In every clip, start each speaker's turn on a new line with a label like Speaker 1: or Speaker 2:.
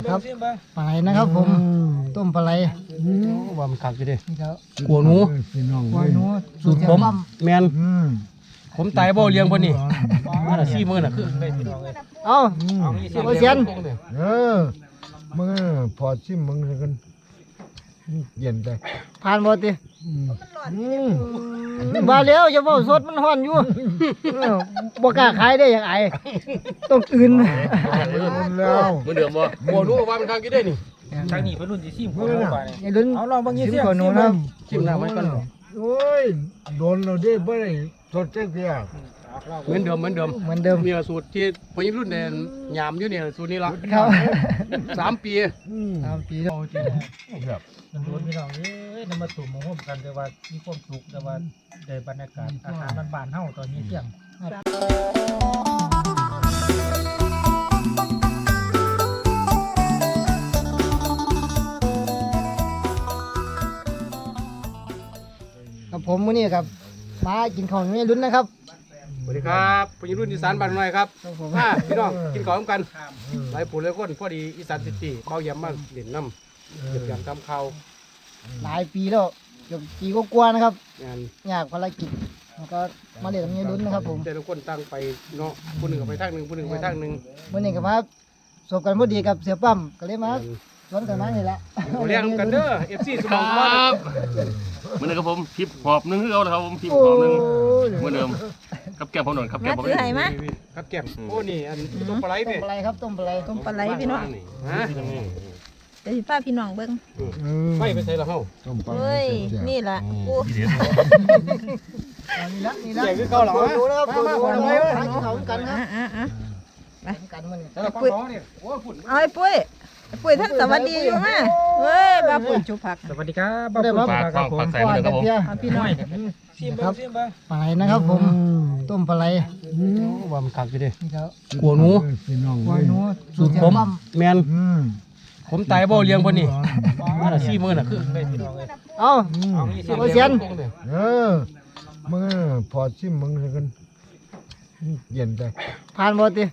Speaker 1: ครับปลาไหลนะครับผมต้มปลาไหล
Speaker 2: ว่ามันคักอยู่ดิ
Speaker 1: นี่ครับ
Speaker 2: กัวหนู
Speaker 1: กล้วยหนู
Speaker 2: สูตรผมแมนผมตายบ่เลี้ยงบ่นี่มาละ4มื้อน่ะคือได้พี่น้องเอ้ย
Speaker 1: เอ้า เอาเสียน
Speaker 3: มึงพอชิมมึงเลยกันเย็นใจ
Speaker 1: ผ่านบ่ติมาแล้วอย่าเว้าสดมันฮ้อนอยู่บ่กล้าขายได้อย่างไอต้องตื่น
Speaker 3: แล้ว
Speaker 2: เหมือนเดิมบ่กัวหนูว่ามันคักอยู่เด้นี่
Speaker 4: ทางนี้เป็นรุ่นที่ซิมของเราไปเนี่ย
Speaker 1: อย่าลุ้น
Speaker 4: เอาลองบางยี่
Speaker 1: ชิ
Speaker 4: เสี
Speaker 1: ม
Speaker 4: ย
Speaker 1: ก่อนหนูนะครับ
Speaker 2: ชิมน้ำไว้ก่อน
Speaker 3: โอ้ยโดนเราได้บ่ได้สดเจ๊กเดียว
Speaker 2: เหมือนเดิม
Speaker 1: เหมือนเดิม
Speaker 2: มีสูตรที่พอยิ่งรุ่นเนี่ยยามอยู่เนี่ยสูตรนี้ละ
Speaker 1: ครับ
Speaker 2: 3 ปี
Speaker 1: 3 ปีแล้ว
Speaker 4: มันโดนพี่น้องเอ้ยนำมาตุ่มมาห่มกันแต่ว่ามีความสุขแต่ว่าได้บรรยากาศอาหารบ้านๆเฮาตอนนี้เที่ยง
Speaker 1: กับผมมื้อนี้ครับมากินข้าวไม่ลุ้นนะครับ
Speaker 2: สวัสดีครับพอยิ่งรุ่นอีสานบ้านหน่อยครับ
Speaker 1: ครับผม
Speaker 2: พี่น้องกินข้าวร่วมกันหลายผู้หลายคนพอดีอีสานซิตี้เบาเยี่ยมมากเด่นน้ำเก็บยำทำข้าว
Speaker 1: หลายปีแล้วเกือบปีกว่าๆนะครับ
Speaker 2: งาน
Speaker 1: อยากภารกิจแล้วก็มาเรียนกับไม่ลุ้นนะครับผม
Speaker 2: แต่ละคนตั้งไปเนาะผู้หนึ่งก็ไปทางหนึ่งผู้หนึ่งไปทางหนึ่ง
Speaker 1: มื้อนี้ก็มาสบกันพอดีกับเสือปั๊มก็เลยมาสวนกันมานี่แหละ
Speaker 2: เลี้ยงกันเด้อ FC สมองก้อน
Speaker 5: เหมือนเดิมครับผมทิปหอบหนึงคือเอาเลยครับผมทิปหอบหนึงเหมือนเดิมกับแก้มผมหน่อยครับแก้มผม
Speaker 6: ซื้อให้มา
Speaker 2: ครับแก้มโอ้นี่อันต้มปลาไหล
Speaker 1: ต้
Speaker 2: เนี่
Speaker 1: ม
Speaker 2: ย
Speaker 1: ปลาไหลครับต้มปลาไหล
Speaker 6: ต้มปลาไหลพี่น้อง
Speaker 2: ฮะ
Speaker 6: เดี๋ยวสิพาพี่น้องเบิ่ง
Speaker 2: ไม่ไปใส่ละเฮา
Speaker 3: ต้มปลา
Speaker 6: เฮ้ยนี่ล่ะกู
Speaker 5: ทีเด็ด
Speaker 1: นี่ละนี่ละ
Speaker 2: ใหญ่คือเก่าหรอ
Speaker 1: ดูนะครับดู
Speaker 2: มา
Speaker 1: ดู
Speaker 2: มา
Speaker 1: ดู
Speaker 2: มา
Speaker 1: หากินข้าวกันครับ กันมื้อนี้
Speaker 2: แต่ละของเนี่ยโอ้ฝุ่น
Speaker 6: เอาไอ้ปุ้ยไอ้ปุ้ยท่านสวัสดีอยู่มาเฮ้ยบ้าปุ้ยจุผัก
Speaker 4: สวัสดีครับบ้าปุ่น
Speaker 5: ปาก
Speaker 4: ครับผม
Speaker 5: ปากใส่เหมือนเดิมครับผม
Speaker 6: เอาพี่น้อง
Speaker 4: ซิมเบิ้งซิมเบิ้ง
Speaker 1: ปลาไหลนะครับผมต้มปลาไหล
Speaker 2: ว่ามันคักอยู่ดิ
Speaker 1: นี่ครับ
Speaker 2: กัวหนู
Speaker 3: พี่น้อง
Speaker 1: กล้วยหนู
Speaker 2: สูตรผม แมนผมตายบ่เลี้ยงบ่นี่มาละ4มื้อน่ะคือได้พี่น้องเอ้ย
Speaker 1: เอ้า เอาเสียน
Speaker 3: มึงพอชิมมึงเลยกันเย็นใจ
Speaker 1: ผ่านบ่ติ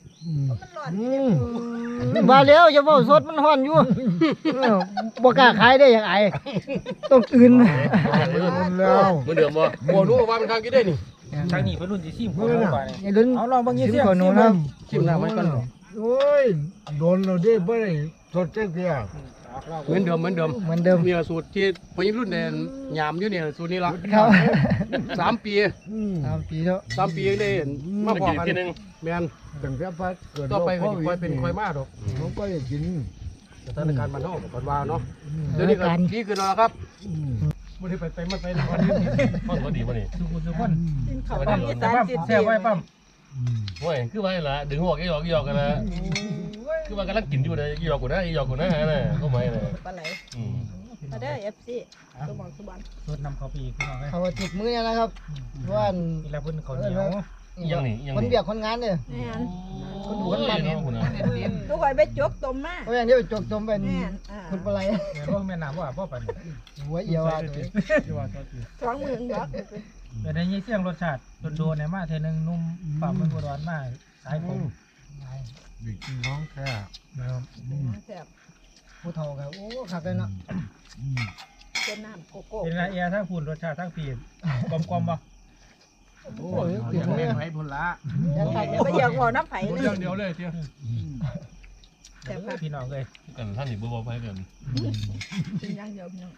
Speaker 1: มาแล้วอย่าเว้าสดมันฮ้อนอยู่บ่กล้าขายได้อย่างไอต้องตื่น
Speaker 3: แล้ว
Speaker 5: เหมือนเดิมบ่
Speaker 2: กัวหนูว่ามันคักอยู่เด้นี่
Speaker 4: ทางนี้เป็นรุ่นที่ซิมของเราไปเนี่ย
Speaker 1: อย่าลุ้น
Speaker 4: เอาลองบางยี่
Speaker 1: ชิม
Speaker 4: เสีย
Speaker 1: ก่อนหนูนะครับ
Speaker 2: ชิมน้ำไว้ก่อน
Speaker 3: โอ้ยโดนเราได้บ่ได้สดเจ๊กเดียว
Speaker 2: เหมือนเดิม
Speaker 1: เหมือนเดิม
Speaker 2: มีสูตรที่พอยิ่งรุ่นเนี่ยยามอยู่เนี่ยสูตรนี้ละ
Speaker 1: ครับ
Speaker 2: 3 ปี
Speaker 1: 3 ปีแล้ว
Speaker 2: 3 ปียังได้มา
Speaker 5: มา
Speaker 2: พอ
Speaker 5: กิน
Speaker 2: กัน
Speaker 5: ทีนึง
Speaker 2: แม่น
Speaker 3: ตั้งแต่พัดเกิด
Speaker 2: ต่อไป
Speaker 3: โร
Speaker 2: ก็
Speaker 3: ค
Speaker 2: สิค่อยเป็นค่อยมาดอก
Speaker 3: เขาก็จะกิน
Speaker 2: สถานการณ์บ้านเฮาก็ก่อนว่าเนาะเดี๋ยวนี้ก็ดีขึ้นแล้วครับบ่ได้ไปมาไปวันนี้
Speaker 5: พ่อสวัสดีป่ะนี่
Speaker 4: ทุกคน
Speaker 6: กินข้าว
Speaker 4: ปั๊ม
Speaker 6: อีสาน
Speaker 4: ปั๊ม
Speaker 6: จิต
Speaker 4: แซ่บไว้ปั๊ม
Speaker 5: โอ้ยคือว่าละดึงหัวกี่หยอกกันนะคือว่ากำลังกินอยู่เลยหยอกกูนะหยอกกูนะนะก็ไม่นะ
Speaker 6: ปลาไหล
Speaker 5: อืม
Speaker 6: มาเด้อ FC สุบอนสุบอน
Speaker 4: สูตรนำเข้าไปอีกพี่น้องเอ้ย
Speaker 1: เขาติดมือเนี่ยนะครับเพราะว่า
Speaker 4: นี่แหละเพิ่นเขาวเหนียว
Speaker 5: ยังนี่ยัง
Speaker 1: คน
Speaker 5: นี่
Speaker 1: เบียกคนงานเนี่ย
Speaker 6: แม่น
Speaker 1: คนดูคนมัน
Speaker 5: เนาะคุณนะ
Speaker 6: ลูกไอ้ไปจกต้มมา
Speaker 1: เพราะอย่างนี้ไปจกจมเป็น
Speaker 6: แม่น
Speaker 1: คนปลาไหล
Speaker 4: แม่ว่าแม่น้ำว่าพ่อปัน
Speaker 1: หัวเอียวอ่ะ
Speaker 6: สองมือดอก
Speaker 4: เดี๋ยวในยี่เสียงรสชาติโดนๆเนี่ยมาเทนึงนุ่มปั๊มมันบ่ร้อนมากสายผม
Speaker 3: บิกน้องแค่
Speaker 6: แซ่บ
Speaker 1: ผู้เฒ่าครับโอ้ขักเลยเนาะ
Speaker 6: เป็นน้ำโกโก้
Speaker 4: เป็นไรเอียทั้งพูนรสชาติทั้งปีกลมๆบ่
Speaker 1: โอ้ยติดมือ
Speaker 2: ให้พุ่นละ
Speaker 6: ไปอยากบอกน้ำไผ่เลย
Speaker 2: เดียวเลยเที่ยว
Speaker 6: แซ่บค่ะ
Speaker 4: พี่น้องเลย
Speaker 5: กันท่านนี่บ่ไปกัน
Speaker 6: เป็นอย่างเดียวพี่น้อง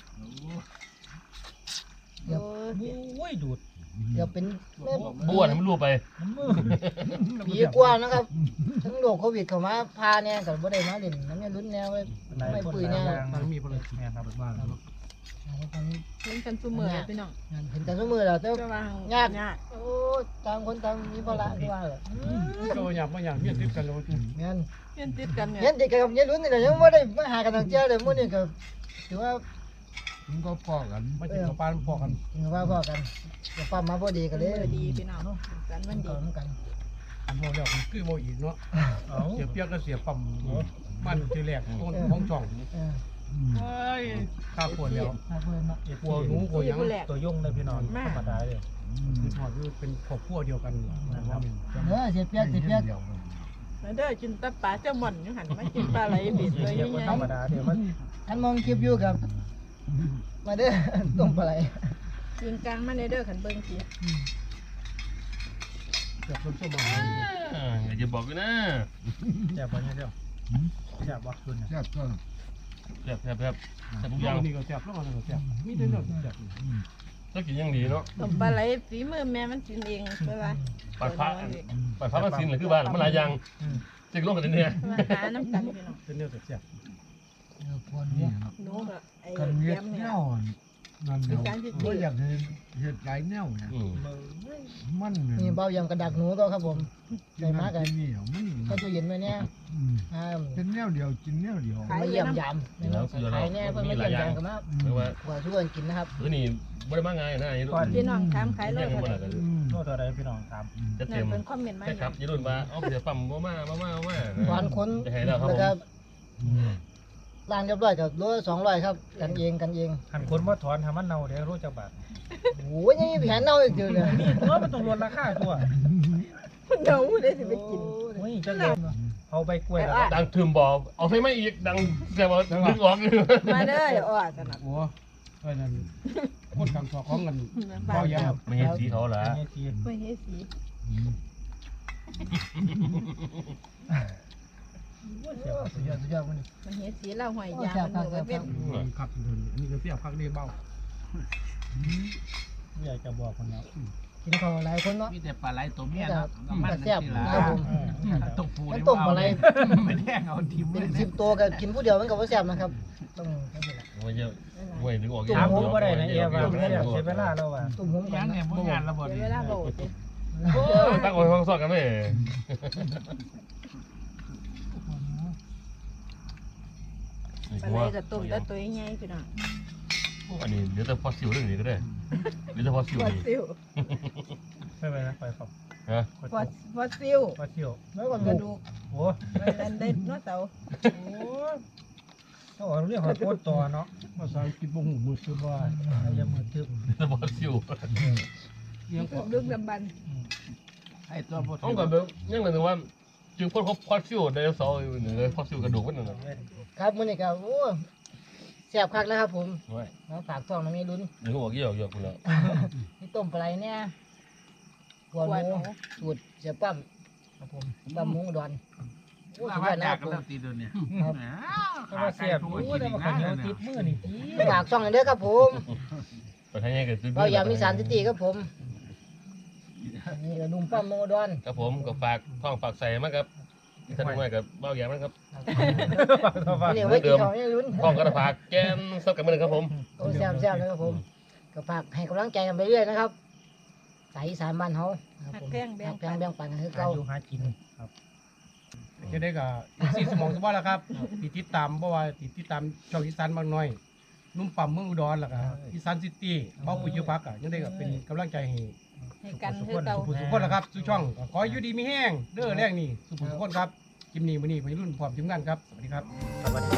Speaker 4: โอ้ยดูด
Speaker 1: เดี๋ยวเป็น
Speaker 5: บ้วนให้มันรั่วไป
Speaker 1: ปีกว่านะครับทั้งโรคโควิดเข้ามาพาเนี่ยกับบ่ได้มาเล่นน้ำเนี่ยลุ้นแนวไว้ไม่ปุยเนี่ย
Speaker 4: มันมีพลังแม่ครับบ้าน
Speaker 6: เห็นกันซุมื้อเลยพี่น้อง
Speaker 1: เห็นแต่สมือแล้วแต่
Speaker 6: จะว่าย
Speaker 1: าก
Speaker 6: ยาก
Speaker 1: โอ้ต่างคนต่างมีภาระที่ว่าเหรอ
Speaker 2: โตหยับมาอย่างเมียติดกันเลย
Speaker 1: งั้น
Speaker 6: เรียนติดกันเนี่ย
Speaker 1: เย็นเด็กกับเย็นลุ้นนี่แหละยังไม่ได้มาหากันตั้งเจ้าเลยมื้อนี้ก็ถือว่า
Speaker 3: มึงก็พอกัน
Speaker 2: มากินกับปลาพอกัน
Speaker 1: ถือว่าพ่อกันจะปั๊มมาพอดีกันเลย
Speaker 6: ดีพี่น้องกันวันดี
Speaker 1: ก่อนกัน
Speaker 2: อันโมเดียวคือโมอีกเนาะ
Speaker 4: เอา
Speaker 2: เสียเปียกก็เสียปั๊มมันทีแรกต้นของจ่อง เฮ้ยข้าปวดแล้ว
Speaker 1: มาเพื่อนเนาะ
Speaker 2: กลัวหนูกลัวยัง
Speaker 4: ตัวยุ่งเลยพี่น้องธรรมดาเลย
Speaker 2: คือพอคือเป็นครอบครัวเดียวกัน
Speaker 1: เด้อเสียเปียก
Speaker 2: นะครับ
Speaker 1: เสียเปียก
Speaker 4: เดี๋ยว
Speaker 1: เสียเปียก
Speaker 3: เดียวกัน
Speaker 1: เดี๋ยวเสียเปียกเสียเปียก
Speaker 4: เ
Speaker 6: มาเด้อกินตะปลาเจ้าหม่อนอยู่หันมากินปลาไหลบิดเลย
Speaker 4: เรีย
Speaker 6: ยั
Speaker 4: ก
Speaker 6: ง
Speaker 4: ว่า
Speaker 6: ไง
Speaker 4: ธรรมดาเดี๋ยวมัน
Speaker 1: ท่านมองคลิปอยู่ครับ มาเด้อ ต้มปลาไหล
Speaker 6: ยิงกลางมาในเด้อขันเบิ่งสิ
Speaker 2: เกือบส้มๆมา
Speaker 5: อย่าจะบอกกูนะ
Speaker 4: แซ่บบ่เนี่ยเด้อแซ่บบ่คุณ
Speaker 3: แซ่บก็
Speaker 5: แซ่บแซ่บทุกอ
Speaker 2: ย่า
Speaker 5: ย่าง ง
Speaker 2: นี้ก็แซ่บแล้วก็แซ่บมีแต่เนื้อแซ่บ
Speaker 5: ต้องกินอย่างดีเนาะ
Speaker 6: ต้มปลาไหลฝีมือแม่มันกินเองไปว่า
Speaker 5: ปลาพระปลาพระมันสินหรือคือบ้านมันหลายอย่างจะลงกันเนี่ย
Speaker 6: มาหาน้ำกันพี่น้อง
Speaker 2: เป็นเนื้อแซ่บ
Speaker 3: คนนี้
Speaker 6: หนูก็ไอ้
Speaker 3: กัน
Speaker 6: แก
Speaker 3: เฮ็ด
Speaker 6: มเนี่
Speaker 3: แน
Speaker 6: ยว
Speaker 3: นั่นเดียวบ่อยากเฮ็ดหลายแนวเนี่ย
Speaker 5: อืม
Speaker 3: มัน
Speaker 1: นี่เบายำกระดักหนูก็ครับผมใส่มากัน
Speaker 3: นี่มัน
Speaker 1: ก็จะเย็นไว้เนี่ยอ่า
Speaker 3: เป็นแนวเดียวกินแนวเดียว
Speaker 1: ไม่เยี่ยมยำนะครับขายเนี่ยเพิ่นไม่เยี่ยมยำกันมา
Speaker 5: หรือว่า
Speaker 1: ขวาช่วยกินนะครับ
Speaker 5: หรือนี่ไม่ได้มาง่ายนะยี่รุ่น
Speaker 6: พี่น้องถามขายโล
Speaker 5: แย่ง
Speaker 6: เท่า
Speaker 5: กัน
Speaker 6: ไหร่
Speaker 5: หมดเลย
Speaker 4: โลเท่าใดพี่น้องถาม
Speaker 5: จะ
Speaker 6: นั่
Speaker 5: เต็
Speaker 6: น
Speaker 5: ม
Speaker 6: เป็นคอมเมนต์มา
Speaker 5: ใช่ครับยี่รุ่นมาเอาเสียปั๊มมา
Speaker 1: หวานค้น
Speaker 5: จะให้แล้วครับ
Speaker 1: แล้ว
Speaker 5: ผ
Speaker 1: ก็
Speaker 5: ม
Speaker 1: ร้านเรียบร้อยกับโล200ครับกันเอง
Speaker 4: หันคนบ่ถอนให้มันเน่าเดี๋ยวรู้จักบาท
Speaker 1: โอ้ยยังมีแผนเน่าอีกเดียวเลย
Speaker 4: ตัวมันต้องลดราคาตัว
Speaker 6: เดี๋ยวได้สิไปกิน
Speaker 4: โอ้ยจังเลยเอาใบกล้วยแล้ว
Speaker 5: ดังถึมบอกเอาใช่ไหมอีกดังแต่ว่าดึงออกเลย
Speaker 6: มาเด้อเดี๋ยวอ้อสนับ
Speaker 2: โอ้เอ้ยนั่นคนกลางสอของกัน
Speaker 6: บ้า
Speaker 2: เบาน แย่
Speaker 5: ไม่เห็นสีเขาละ
Speaker 4: นี่ที
Speaker 6: ไม่เฮ็ดสี
Speaker 1: สุดยอดสุดยอดวันนี้
Speaker 6: มันเฮ็ดสีเราหอยยางมันเหมือนเว้น
Speaker 2: คักเดินอันนี้ก็เสียบคักนี่เบา
Speaker 4: อยากจะบอกคนแล้ว
Speaker 1: กินข้าวหลายคนเนาะ
Speaker 7: มีแต่ปลาไหลตัวเมีย
Speaker 1: แต่
Speaker 7: เนาะ
Speaker 1: แต่แซ่บนะครับผม
Speaker 7: ตกปู
Speaker 1: มันต้มอะไร
Speaker 7: ไม่แดงเอาทิม
Speaker 1: เป็
Speaker 7: เล
Speaker 1: น
Speaker 7: ย
Speaker 1: 10ตัวก็กินผู้เดียวมันก็บ่แซ่บนะครับต้องให้เวลา
Speaker 5: ไม่เยอะไม่ดึงออก
Speaker 4: ถามผมบ่ได้นะเอียว่ามันเสียเวลาแล้วว่า
Speaker 1: ตุ่มหอมกั
Speaker 7: ยั
Speaker 1: น
Speaker 7: งเนี่ยบ่งานระบบ
Speaker 6: เดี๋ยวเวลาโบด
Speaker 5: ตั้งคนฟังสอดกันไหม
Speaker 6: ปลาไหลกับต้มแต่ตัวใหญ่พี่น้อง
Speaker 5: อันนี้เดี๋ยวจะฟอสซิลเรื่องนี้ก็ได้เดี๋ยวจะฟอสซิล
Speaker 6: ฟอส
Speaker 5: นี่
Speaker 6: ซิล
Speaker 4: ไม่ไปนะไปครับ
Speaker 5: ฮะ
Speaker 6: ฟอสซิล
Speaker 4: ว่าเที่ยว
Speaker 1: แล้วก็
Speaker 6: กระ
Speaker 1: ดู
Speaker 6: ดูก
Speaker 4: โอ้
Speaker 6: อันไดโนเสาร์
Speaker 4: ต้องเอาเรื่องของโคตรต่อเนาะ
Speaker 2: ภาษาอังกฤษบ่ฮู้มือซื้อว่า
Speaker 4: อย่ามือทึบ
Speaker 5: จะฟอสซิล
Speaker 2: ยังก็
Speaker 6: ดึกดำบรรพ์
Speaker 7: ไอ้ตัวบ่
Speaker 5: ต้องก่อนเบลยังเหมือนว่าจึงพ้นเขาฟอสซิลไดโนเสาร์หนึ่งเลยฟอสซิลกระดูกมันหนึ่ง
Speaker 1: ครับมื้อนี้ก็โอ้แซ่บคักแล้วครับผม
Speaker 5: ไว้
Speaker 1: มาฝากท้องน้ำมีลุ้น
Speaker 5: ดึงออกยี่ออกยี่ออกคุณแล้ว
Speaker 1: นี่ต้มปลาไหลเนี่ยหัวหมูสูตรเสียปั้มครับผมปั้มหมูอุดอนโอ้
Speaker 7: มา
Speaker 1: สุดยอดนะ
Speaker 7: จา
Speaker 1: ค
Speaker 7: ก
Speaker 1: รับผม
Speaker 7: กันแล้วตีตัวเนี่ย
Speaker 4: เพราะว่าเสียบโอ้แต่ว่าข้าวเหนียวติดมือนี่ที
Speaker 1: ฝากช่องหน่อยเด้อครับผม
Speaker 5: ไปทางยังไง
Speaker 1: เราอยากมีสารสติครับผมนี่ก็นุ่มปั้มหมูอุดอน
Speaker 5: ครับผมก็ฝากท้องฝากใส่มาครับท่านผู้ใหญ่กับเบ้าแย่มันครับ
Speaker 1: นี่ไว้กินข้าวนี่ลุ้น
Speaker 5: ท้องกระฝากแกนซับกันมือครับผม
Speaker 1: โอ้แซ่บๆเลยครับผมก็ฝากให้กำลังใจกันไปเรื่อยนะครับสายอีสานบ้านเฮาครับ
Speaker 6: หัก
Speaker 1: ผม
Speaker 6: แพงแบ่ง
Speaker 1: แพง
Speaker 6: ปัน
Speaker 1: แบ่งปันกันคือ
Speaker 4: หา
Speaker 1: เก่า
Speaker 4: อยู่หากินครับ
Speaker 2: จะได้ก็ซีสมองสบายแล้วครับติดตามเพราะว่าติดตามช่องอีสานบางน้อยนุ่มปั๊มเมืองอุดรล่ะครับอีสานซิตี้เป้าปุยยุพักอ่ะยังได้ก็เป็นกำลังใจให้
Speaker 6: ให้กันคือเก่า
Speaker 2: สุขคนละครับสู่ช่องขออยู่ดีมีแห้งเด้อแรงนี่สุขทุกคนครับกิมนี่มื้อนี้ไปรุ่นพร้อมทีมงานครับสวัสดีครับ
Speaker 4: สวัสดี